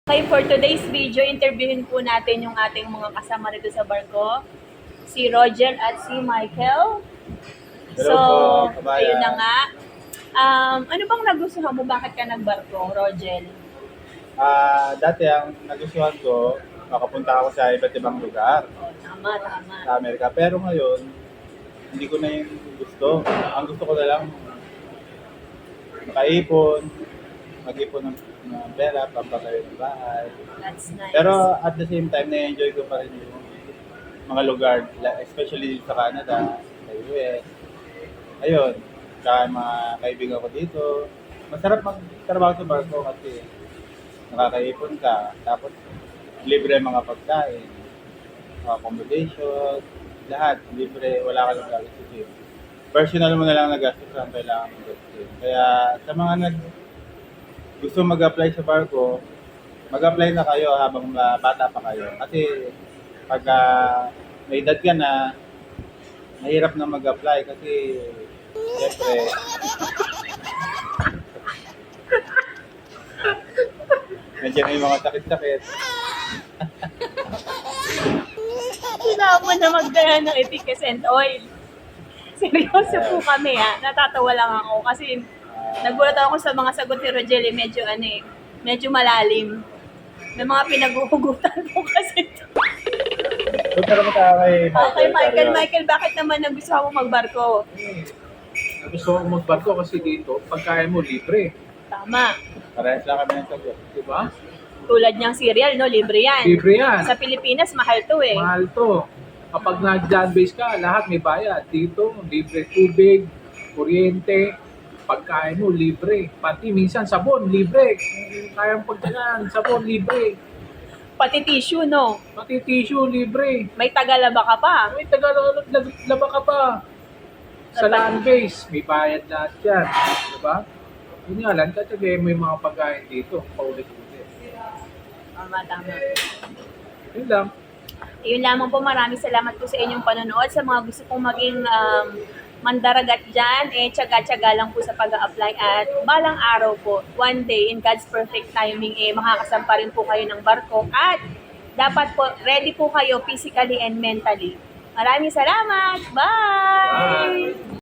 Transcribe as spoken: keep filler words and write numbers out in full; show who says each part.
Speaker 1: Okay, for today's video, interviewin po natin yung ating mga kasama rito sa barko. Si Roger at si Michael.
Speaker 2: Hello
Speaker 1: So,
Speaker 2: po, kabayan.
Speaker 1: ayun na nga. Um, ano bang nagustuhan mo? Bakit ka nagbarko, Roger?
Speaker 2: Ah, dati ang nagustuhan ko, makapunta ako sa iba't ibang lugar
Speaker 1: Oh, tama, tama.
Speaker 2: sa Amerika. Pero ngayon, hindi ko na yung gusto. Ang gusto ko na lang, makaipon, mag-ipon ng, ng pera, pampatayo ng bahay.
Speaker 1: That's nice.
Speaker 2: Pero at the same time, na-enjoy ko pa rin yung mga lugar, la- especially sa Canada, sa U S. Ayun, tsaka yung mga kaibigan ko dito. Masarap magtrabaho sa barko kasi nakakaipon ka, tapos libre ang mga pagkain, mga accommodation, lahat libre, wala ka lang gagastusin. Personal mo na lang nagastos ang kailangan mo gastusin. Kaya sa mga nag gusto mag-apply sa barko, mag-apply na kayo habang ah, bata pa kayo. Kasi pag ah, may edad ka na, mahirap na mag-apply kasi siyempre medyo may mga sakit-sakit.
Speaker 1: Kailangan mo na magdala ng etiquette and oil. Seryoso po kami ha. Natatawa lang ako kasi nagulat ako sa mga sagot ni Rogelio. Medyo ano eh, medyo malalim. May mga pinaghuhugutan ko kasi.
Speaker 2: So, pero mata kay Michael.
Speaker 1: Okay, Michael,
Speaker 2: Carrion.
Speaker 1: Michael, bakit naman nagustuhan mo magbarko?
Speaker 3: Gusto ko magbarko kasi dito, pagkain mo libre.
Speaker 1: Tama.
Speaker 2: Parehas lang kami ng sagot.
Speaker 3: Di ba?
Speaker 1: Tulad niyang cereal, no? Libre yan.
Speaker 3: Libre yan.
Speaker 1: Sa Pilipinas, mahal to eh.
Speaker 3: Mahal to. Kapag nag-land base ka, lahat may bayad. Dito, libre tubig, kuryente, pagkain mo libre. Pati minsan sabon, libre. Kung kayang pagkain, sabon, libre.
Speaker 1: Pati tissue, no?
Speaker 3: Pati tissue, libre.
Speaker 1: May tagalaba ka pa.
Speaker 3: May tagalaba ka pa. Sa land base, may bayad lahat yan. Di ba? Yun nga lang, tatagay mo yung mga pagkain dito, paulit-ulit.
Speaker 1: Tama, tama.
Speaker 3: Yun lang.
Speaker 1: Yun lamang po, maraming salamat po sa inyong panonood. Sa mga gusto pong maging um, mandaragat dyan, eh, tsaga-tsaga lang po sa pag-a-apply at balang araw po, one day, in God's perfect timing, eh, makakasampa rin po kayo ng barko at dapat po, ready po kayo physically and mentally. Maraming salamat! Bye!
Speaker 3: Bye!